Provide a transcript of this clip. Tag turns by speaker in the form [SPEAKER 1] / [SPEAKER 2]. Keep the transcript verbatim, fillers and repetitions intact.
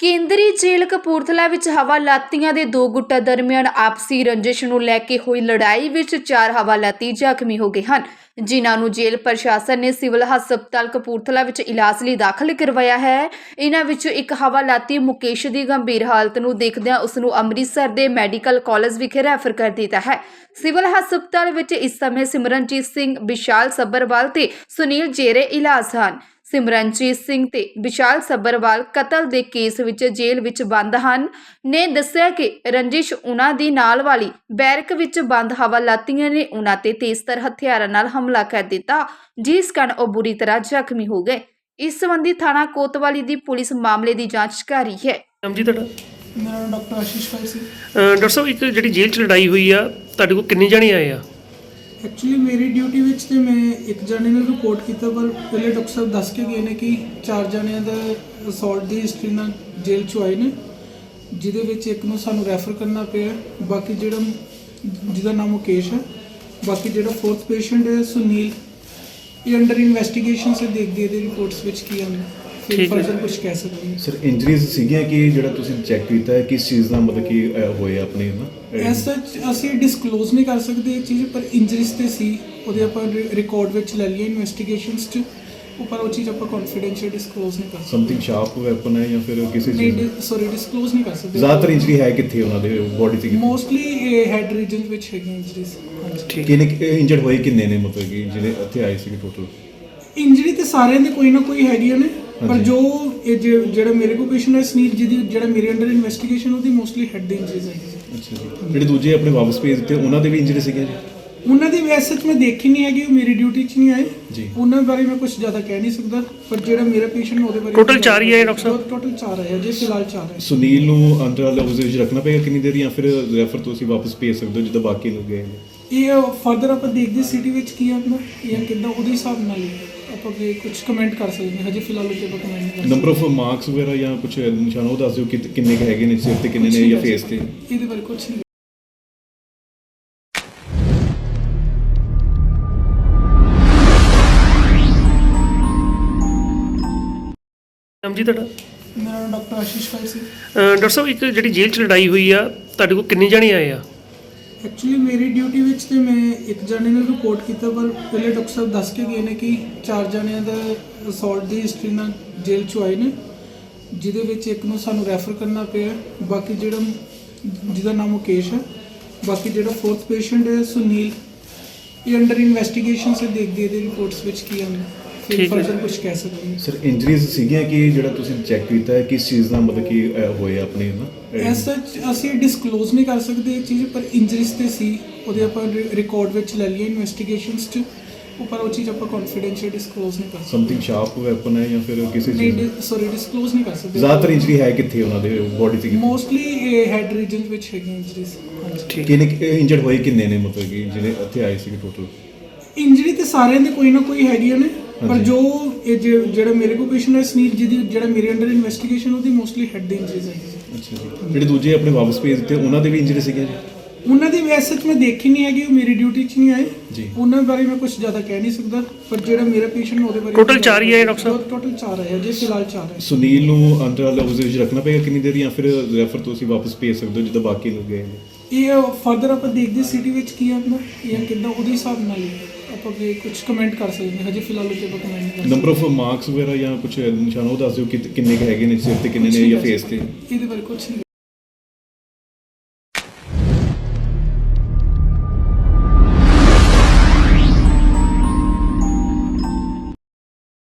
[SPEAKER 1] ਕੇਂਦਰੀ ਜੇਲ੍ਹ ਕਪੂਰਥਲਾ ਵਿੱਚ ਹਵਾਲਾਤੀਆਂ ਦੇ ਦੋ ਗੁੱਟਾਂ ਦਰਮਿਆਨ ਆਪਸੀ ਰੰਜਿਸ਼ ਨੂੰ ਲੈ ਕੇ ਹੋਈ ਲੜਾਈ ਵਿੱਚ ਚਾਰ ਹਵਾਲਾਤੀ ਜ਼ਖਮੀ ਹੋ ਗਏ ਹਨ, ਜਿਨ੍ਹਾਂ ਨੂੰ ਜੇਲ੍ਹ ਪ੍ਰਸ਼ਾਸਨ ਨੇ ਸਿਵਲ ਹਸਪਤਾਲ ਕਪੂਰਥਲਾ ਵਿੱਚ ਇਲਾਜ ਲਈ ਦਾਖਲ ਕਰਵਾਇਆ ਹੈ। ਇਹਨਾਂ ਵਿੱਚੋਂ ਇੱਕ ਹਵਾਲਾਤੀ ਮੁਕੇਸ਼ ਦੀ ਗੰਭੀਰ ਹਾਲਤ ਨੂੰ ਦੇਖਦਿਆਂ ਉਸ ਨੂੰ ਅੰਮ੍ਰਿਤਸਰ ਦੇ ਮੈਡੀਕਲ ਕਾਲਜ ਵਿਖੇ ਰੈਫਰ ਕਰ ਦਿੱਤਾ ਹੈ। ਸਿਵਲ ਹਸਪਤਾਲ ਵਿੱਚ ਇਸ ਸਮੇਂ ਸਿਮਰਨਜੀਤ ਸਿੰਘ, ਵਿਸ਼ਾਲ ਸੱਭਰਵਾਲ ਤੇ ਸੁਨੀਲ ਜੇਰੇ ਇਲਾਜ ਹਨ। ਸਿਮਰਨਜੀਤ ਸਿੰਘ ਤੇ ਵਿਸ਼ਾਲ ਸੱਭਰਵਾਲ ਕਤਲ ਦੇ ਕੇਸ ਵਿੱਚ ਜੇਲ੍ਹ ਵਿੱਚ ਬੰਦ ਹਨ ਨੇ ਦੱਸਿਆ ਕਿ ਰੰਜਿਸ਼ ਉਹਨਾਂ ਦੀ ਨਾਲ ਵਾਲੀ ਬੈਰਕ ਵਿੱਚ ਬੰਦ ਹਵਾਲਾਤੀਆਂ ਨੇ ਉਹਨਾਂ ਤੇ ਤੇਜ਼ਧਾਰ ਹਥਿਆਰਾਂ ਨਾਲ ਹਮਲਾ ਕਰ ਦਿੱਤਾ, ਜਿਸ ਕਾਰਨ ਉਹ ਬੁਰੀ ਤਰ੍ਹਾਂ ਜ਼ਖਮੀ ਹੋ ਗਏ। ਇਸ ਸੰਬੰਧੀ ਥਾਣਾ ਕੋਤਵਾਲੀ ਦੀ ਪੁਲਿਸ ਮਾਮਲੇ ਦੀ ਜਾਂਚ ਕਰ ਰਹੀ ਹੈ।
[SPEAKER 2] ਨਾਮ ਜੀ ਤੁਹਾਡਾ?
[SPEAKER 3] ਮੇਰਾ ਨਾਮ ਡਾਕਟਰ ਆਸ਼ੀਸ਼ ਭਾਈ ਸੀ।
[SPEAKER 2] ਡਾਕਟਰ ਸਾਹਿਬ, ਇੱਕ ਜਿਹੜੀ ਜੇਲ੍ਹ 'ਚ ਲੜਾਈ ਹੋਈ ਆ, ਤੁਹਾਡੇ ਕੋਲ ਕਿੰਨੇ ਜਣੇ ਆਏ ਆ?
[SPEAKER 3] ਐਕਚੁਅਲੀ ਮੇਰੀ ਡਿਊਟੀ ਵਿੱਚ ਤੇ ਮੈਂ ਇੱਕ ਜਣੇ ਨੂੰ ਰਿਪੋਰਟ ਕੀਤਾ, ਪਰ ਪਹਿਲੇ ਡਾਕਟਰ ਸਾਹਿਬ ਦੱਸ ਕੇ ਗਏ ਨੇ ਕਿ ਚਾਰ ਜਣਿਆਂ ਦਾ ਅਸੌਲਟ ਦੀ ਹਿਸਟਰੀ ਨਾਲ ਜੇਲ੍ਹ 'ਚੋਂ ਆਏ ਨੇ, ਜਿਹਦੇ ਵਿੱਚ ਇੱਕ ਨੂੰ ਸਾਨੂੰ ਰੈਫਰ ਕਰਨਾ ਪਿਆ। ਬਾਕੀ ਜਿਹੜਾ ਜਿਹਦਾ ਨਾਮ ਮੁਕੇਸ਼ ਹੈ, ਬਾਕੀ ਜਿਹੜਾ ਫੋਰਥ ਪੇਸ਼ੈਂਟ ਹੈ ਸੁਨੀਲ, ਇਹ ਅੰਡਰ ਇਨਵੈਸਟੀਗੇਸ਼ਨ ਸੇ ਦੇਖਦੇ ਇਹਦੇ ਰਿਪੋਰਟਸ ਵਿੱਚ ਕੀ ਆਉਂਦਾ, ਫਿਰ ਫਰਦਰ ਕੁਝ ਕਹਿ ਸਕਦੇ ਹਾਂ।
[SPEAKER 4] ਸਰ, ਇੰਜਰੀਜ਼ ਸੀਗੀਆਂ ਕਿ ਜਿਹੜਾ ਤੁਸੀਂ ਚੈੱਕ ਕੀਤਾ ਹੈ ਕਿਸ ਚੀਜ਼ ਦਾ ਮਤਲਬ ਕਿ ਹੋਏ ਆਪਣੇ ਨਾ
[SPEAKER 3] ਐਸ ਸੱਚ ਅਸੀਂ ਡਿਸਕਲੋਜ਼ ਨਹੀਂ ਕਰ ਸਕਦੇ ਇਹ ਚੀਜ਼, ਪਰ ਇੰਜਰੀਜ਼ ਤੇ ਸੀ, ਉਹਦੇ ਆਪਾਂ ਰਿਕਾਰਡ ਵਿੱਚ ਲੈ ਲਈਏ ਇਨਵੈਸਟੀਗੇਸ਼ਨਸ 'ਚ, ਉੱਪਰ ਉਹ ਚੀਜ਼ ਆਪਾਂ ਕੌਨਫੀਡੈਂਸ਼ੀਅਲ ਡਿਸਕਲੋਜ਼ ਨਹੀਂ ਕਰ ਸਕਦੇ।
[SPEAKER 4] ਸਮਥਿੰਗ ਸ਼ਾਰਪ ਵੈਪਨ ਹੈ ਜਾਂ ਫਿਰ ਕਿਸੇ ਚੀਜ਼
[SPEAKER 3] ਨਹੀਂ, ਸੌਰੀ ਡਿਸਕਲੋਜ਼ ਨਹੀਂ ਕਰ ਸਕਦੇ।
[SPEAKER 4] ਜ਼ਿਆਦਾਤਰ ਇੰਜਰੀ ਹੈ ਕਿੱਥੇ ਉਹਨਾਂ ਦੇ ਬੋਡੀ ਤੇ?
[SPEAKER 3] ਮੋਸਟਲੀ ਇਹ ਹੈਡ ਰੀਜਨ ਵਿੱਚ ਹੈਗੀਆਂ ਇੰਜਰੀਜ਼।
[SPEAKER 2] ਠੀਕ।
[SPEAKER 4] ਕਿੰਨੇ ਇੰਜਰਡ ਹੋਏ ਕਿੰਨੇ ਨੇ ਮਤਲਬ ਕਿ ਜਿਹੜੇ ਇੱਥੇ ਆਏ ਸੀਗੇ ਟੋਟਲ?
[SPEAKER 3] ਇੰਜਰੀ ਤੇ ਸਾਰਿਆਂ ਦੇ ਕੋਈ ਨਾ ਕੋਈ ਹੈਗੀਆਂ ਨੇ, ਪਰ ਜੋ ਇਹ ਜਿ- ਜਿਹੜਾ ਮੇਰੇ ਕੋਲ ਪੇਸ਼ੈਂਟ ਹੈ ਸੁਨੀਲ, ਜਿਹਦੀ ਜਿਹੜਾ ਮੇਰੇ ਅੰਡਰ ਇਨਵੈਸਟੀਗੇਸ਼ਨ, ਉਹਦੀ ਮੋਸਟਲੀ ਹੈਡ ਦੀ ਇੰਜਰੀਜ਼ ਹੈਗੀ ਸੀ।
[SPEAKER 4] ਅੱਛਾ ਜੀ। ਜਿਹੜੇ ਦੂਜੇ ਆਪਣੇ ਵਾਪਸ ਭੇਜ ਦਿੱਤੇ ਉਹਨਾਂ ਦੇ ਵੀ ਇੰਜਰੀ ਸੀਗੇ ਜੀ?
[SPEAKER 3] ਉਹਨਾਂ ਦੀ ਵੈਸੇ ਮੈਂ ਦੇਖੀ ਨਹੀਂ ਹੈਗੀ, ਉਹ ਮੇਰੀ ਡਿਊਟੀ 'ਚ ਨਹੀਂ ਆਏ
[SPEAKER 4] ਜੀ।
[SPEAKER 3] ਉਹਨਾਂ ਬਾਰੇ ਮੈਂ ਕੁਝ ਜ਼ਿਆਦਾ ਕਹਿ ਨਹੀਂ ਸਕਦਾ, ਪਰ ਜਿਹੜਾ ਮੇਰਾ ਪੇਸ਼ੈਂਟ ਉਹਦੇ ਬਾਰੇ
[SPEAKER 2] Total ਚਾਰ ਹੀ ਆਏ ਡਾਕਟਰ ਸਾਹਿਬ?
[SPEAKER 3] ਟੋਟਲ ਚਾਰ ਆਏ ਜੇ ਫਿਲਹਾਲ ਚਾਰ ਆਏ।
[SPEAKER 4] ਸੁਨੀਲ ਨੂੰ ਅੰਡਰ ਆਬਜ਼ਰਵੇਸ਼ਨ ਰੱਖਣਾ ਪਏਗਾ ਕਿੰਨੀ ਦੇਰ, ਜਾਂ ਫਿਰ ਰੈਫਰ ਤੁਸੀਂ ਵਾਪਸ ਭੇਜ ਸਕਦੇ ਹੋ ਜਿੱਦਾਂ ਬਾਕੀ ਲੋਕ ਗਏ ਨੇ?
[SPEAKER 3] ਇਹ ਫਰਦਰ ਆਪਾਂ ਦੇਖਦੇ ਸਿਟੀ ਵਿੱਚ ਕੀ ਆਉਂਦਾ ਜਾਂ ਕਿੱਦਾਂ, ਉਹਦੇ ਹਿਸਾਬ ਨਾਲ ਹੀ ਆਪਾਂ ਵੀ ਕੁਝ ਕਮੈਂਟ ਕਰ ਸਕਦੇ ਹਾਂ। ਹਜੇ ਫਿਲਹਾਲ ਉੱਤੇ ਆਪਾਂ ਕਮੈਂਟ ਨਹੀਂ ਕਰ ਸਕਦੇ।
[SPEAKER 4] ਨੰਬਰ ਆਫ ਮਾਰਕਸ ਵਗੈਰਾ ਜਾਂ ਕੁਝ ਨਿਸ਼ਾਨ ਉਹ ਦੱਸ ਦਿਓ ਕਿ ਕਿੰਨੇ ਕੁ ਹੈਗੇ ਨੇ ਸਿਰ ਤੇ, ਕਿੰਨੇ ਨੇ ਜਾਂ ਫੇਸ ਤੇ?
[SPEAKER 3] ਇਹਦੇ ਬਾਰੇ ਕੁਝ ਨਹੀਂ।
[SPEAKER 2] ਨਾਮ ਜੀ ਤੁਹਾਡਾ?
[SPEAKER 3] ਮੇਰਾ ਨਾਮ ਡਾਕਟਰ ਆਸ਼ੀਸ਼ ਭਾਈ ਸੀ।
[SPEAKER 2] ਡਾਕਟਰ ਸਾਹਿਬ, ਇੱਕ ਜਿਹੜੀ ਜੇਲ੍ਹ 'ਚ ਲੜਾਈ ਹੋਈ ਆ, ਤੁਹਾਡੇ ਕੋਲ ਕਿੰਨੇ ਜਣੇ ਆਏ ਆ?
[SPEAKER 3] ਐਕਚੁਅਲੀ ਮੇਰੀ ਡਿਊਟੀ ਵਿੱਚ ਤੇ ਮੈਂ ਇੱਕ ਜਣੇ ਨੂੰ ਰਿਪੋਰਟ ਕੀਤਾ, ਪਰ ਪਹਿਲੇ ਡਾਕਟਰ ਸਾਹਿਬ ਦੱਸ ਕੇ ਗਏ ਨੇ ਕਿ ਚਾਰ ਜਣਿਆਂ ਦਾ ਅਸੌਲਟ ਦੀ ਹਿਸਟਰੀ ਨਾਲ ਜੇਲ੍ਹ 'ਚੋਂ ਆਏ ਨੇ, ਜਿਹਦੇ ਵਿੱਚ ਇੱਕ ਨੂੰ ਸਾਨੂੰ ਰੈਫਰ ਕਰਨਾ ਪਿਆ। ਬਾਕੀ ਜਿਹੜਾ ਜਿਹਦਾ ਨਾਮ ਮੁਕੇਸ਼ ਹੈ, ਬਾਕੀ ਜਿਹੜਾ ਫੋਰਥ ਪੇਸ਼ੈਂਟ ਹੈ ਸੁਨੀਲ, ਇਹ ਅੰਡਰ ਇਨਵੈਸਟੀਗੇਸ਼ਨ ਸੇ ਦੇਖਦੇ ਇਹਦੇ ਰਿਪੋਰਟਸ ਵਿੱਚ ਕੀ ਆਉਂਦਾ, ਫਿਰ ਫਰਦਰ ਕੁਝ ਕਹਿ ਸਕਦੇ ਹਾਂ।
[SPEAKER 4] ਸਰ, ਇੰਜਰੀਜ਼ ਸੀਗੀਆਂ ਕਿ ਜਿਹੜਾ ਤੁਸੀਂ ਚੈੱਕ ਕੀਤਾ ਹੈ ਕਿਸ ਚੀਜ਼ ਦਾ ਮਤਲਬ ਕਿ ਹੋਏ ਆਪਣੇ ਨਾ
[SPEAKER 3] ਐਸ ਸੱਚ ਅਸੀਂ ਡਿਸਕਲੋਜ਼ ਨਹੀਂ ਕਰ ਸਕਦੇ ਇਹ ਚੀਜ਼, ਪਰ ਇੰਜਰੀਜ਼ ਤੇ ਸੀ, ਉਹਦੇ ਆਪਾਂ ਰਿਕਾਰਡ ਵਿੱਚ ਲੈ ਲਈਏ ਇਨਵੈਸਟੀਗੇਸ਼ਨਸ 'ਚ, ਉੱਪਰ ਉਹ ਚੀਜ਼ ਆਪਾਂ ਕੌਨਫੀਡੈਂਸ਼ੀਅਲ ਡਿਸਕਲੋਜ਼ ਨਹੀਂ ਕਰ ਸਕਦੇ।
[SPEAKER 4] ਸਮਥਿੰਗ ਸ਼ਾਰਪ ਵੈਪਨ ਹੈ ਜਾਂ ਫਿਰ ਕਿਸੇ ਚੀਜ਼
[SPEAKER 3] ਨਹੀਂ, ਸੌਰੀ ਡਿਸਕਲੋਜ਼ ਨਹੀਂ ਕਰ ਸਕਦੇ।
[SPEAKER 4] ਜ਼ਿਆਦਾਤਰ ਇੰਜਰੀ ਹੈ ਕਿੱਥੇ ਉਹਨਾਂ ਦੇ ਬੋਡੀ ਤੇ?
[SPEAKER 3] ਮੋਸਟਲੀ ਇਹ ਹੈਡ ਰੀਜਨ ਵਿੱਚ ਹੈਗੀਆਂ ਇੰਜਰੀਜ਼।
[SPEAKER 2] ਠੀਕ।
[SPEAKER 4] ਕਿੰਨੇ ਇੰਜਰਡ ਹੋਏ ਕਿੰਨੇ ਨੇ ਮਤਲਬ ਕਿ ਜਿਹੜੇ ਇੱਥੇ ਆਏ ਸੀਗੇ ਟੋਟਲ?
[SPEAKER 3] ਇੰਜਰੀ ਤੇ ਸਾਰਿਆਂ ਦੇ ਕੋਈ ਨਾ ਕੋਈ ਹੈਗੀਆਂ ਨੇ, ਪਰ ਜੋ ਇਹ ਜਿ- ਜਿਹੜਾ ਮੇਰੇ ਕੋਲ ਪੇਸ਼ੈਂਟ ਹੈ ਸੁਨੀਲ, ਜਿਹਦੀ ਜਿਹੜਾ ਮੇਰੇ ਅੰਡਰ ਇਨਵੈਸਟੀਗੇਸ਼ਨ, ਉਹਦੀ ਮੋਸਟਲੀ ਹੈਡ ਦੀ ਇੰਜਰੀਜ਼ ਹੈਗੀ ਸੀ।
[SPEAKER 4] ਅੱਛਾ ਜੀ। ਜਿਹੜੇ ਦੂਜੇ ਆਪਣੇ ਵਾਪਸ ਭੇਜ ਦਿੱਤੇ ਉਹਨਾਂ ਦੇ ਵੀ ਇੰਜਰੀ ਸੀਗੇ ਜੀ?
[SPEAKER 3] ਉਹਨਾਂ ਦੀ ਵੈਸੇ ਮੈਂ ਦੇਖੀ ਨਹੀਂ ਹੈਗੀ, ਉਹ ਮੇਰੀ ਡਿਊਟੀ 'ਚ ਨਹੀਂ ਆਏ
[SPEAKER 4] ਜੀ।
[SPEAKER 3] ਉਹਨਾਂ ਬਾਰੇ ਮੈਂ ਕੁਝ ਜ਼ਿਆਦਾ ਕਹਿ ਨਹੀਂ ਸਕਦਾ, ਪਰ ਜਿਹੜਾ ਮੇਰਾ ਪੇਸ਼ੈਂਟ ਉਹਦੇ ਬਾਰੇ
[SPEAKER 2] Total ਚਾਰ ਹੀ ਆਏ ਡਾਕਟਰ ਸਾਹਿਬ?
[SPEAKER 3] ਟੋਟਲ ਚਾਰ ਆਏ ਜੇ ਫਿਲਹਾਲ ਚਾਰ ਆਏ।
[SPEAKER 4] ਸੁਨੀਲ ਨੂੰ ਅੰਡਰ ਆਬਜ਼ਰਵੇਸ਼ਨ ਰੱਖਣਾ ਪਏਗਾ ਕਿੰਨੀ ਦੇਰ, ਜਾਂ ਫਿਰ ਰੈਫਰ ਤੁਸੀਂ ਵਾਪਸ ਭੇਜ ਸਕਦੇ ਹੋ ਜਿੱਦਾਂ ਬਾਕੀ ਲੋਕ ਗਏ ਨੇ?
[SPEAKER 3] ਇਹ ਫਰਦਰ ਆਪਾਂ ਦੇਖਦੇ ਸਿਟੀ ਵਿੱਚ ਕੀ ਆਉਂਦਾ ਜਾਂ ਕਿੱਦਾਂ, ਉਹਦੇ ਹਿਸਾਬ ਨਾਲ ਹੀ ਆਪਾਂ ਵੀ ਕੁਝ ਕਮੈਂਟ ਕਰ ਸਕਦੇ ਹਾਂ। ਹਜੇ ਫਿਲਹਾਲ ਉੱਤੇ ਆਪਾਂ ਕਮੈਂਟ ਨਹੀਂ ਕਰ ਸਕਦੇ।
[SPEAKER 4] ਨੰਬਰ ਆਫ ਮਾਰਕਸ ਵਗੈਰਾ ਜਾਂ ਕੁਝ ਨਿਸ਼ਾਨ ਉਹ ਦੱਸ ਦਿਓ ਕਿ ਕਿੰਨੇ ਕੁ ਹੈਗੇ ਨੇ ਸਿਰ ਤੇ, ਕਿੰਨੇ ਨੇ ਜਾਂ ਫੇਸ ਤੇ?
[SPEAKER 3] ਇਹਦੇ ਬਾਰੇ ਕੁਝ ਨਹੀਂ।